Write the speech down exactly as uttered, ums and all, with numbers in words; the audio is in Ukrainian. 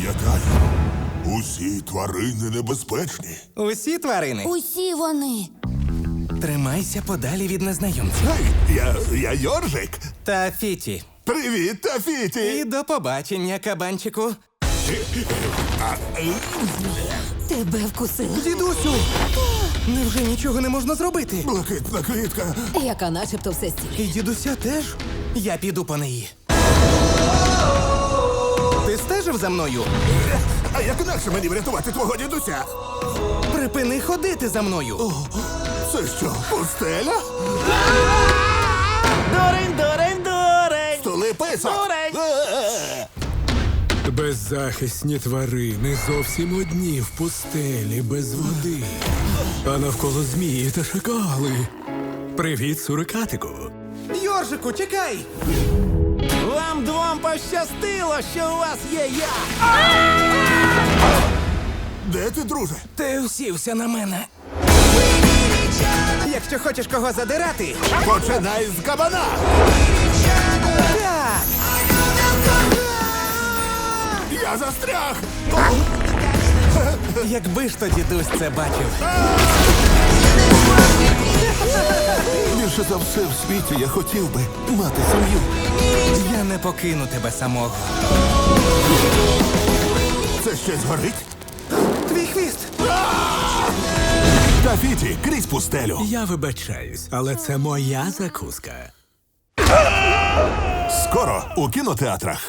Пам'ятай, усі тварини небезпечні. Усі тварини. Усі вони. Тримайся подалі від незнайомців. Гей, я, я Йоржик. Та Фіті. Привіт, І Тафіті. до побачення, кабанчику. Тебе вкусила. Дідусю! Невже нічого не можна зробити? Блакитна квітка. Яка начебто все стіль. І дідуся теж? Я піду по неї. Ти стежив за мною? А як інакше мені врятувати твого дідуся? Припини ходити за мною. О, це що, пустеля? Дурень, дурень, дурень! Столи писок. Дурень! Е-е-е. Беззахисні тварини зовсім одні в пустелі без води. А навколо змії та шакали. Привіт, сурикатику. Йоржику, чекай! Вам двом пощастило, що у вас є я! Де ти, друже? Ти усівся на мене. Якщо хочеш кого задирати, Починай з кабана. так! Я застряг. Якби ж то дідусь це бачив. Більше за все в світі я хотів би мати сім'ю. Я не покину тебе самого. Це щось горить? Твій хвіст! Тафіті, крізь пустелю. Я вибачаюсь, але це моя закуска. Скоро у кінотеатрах.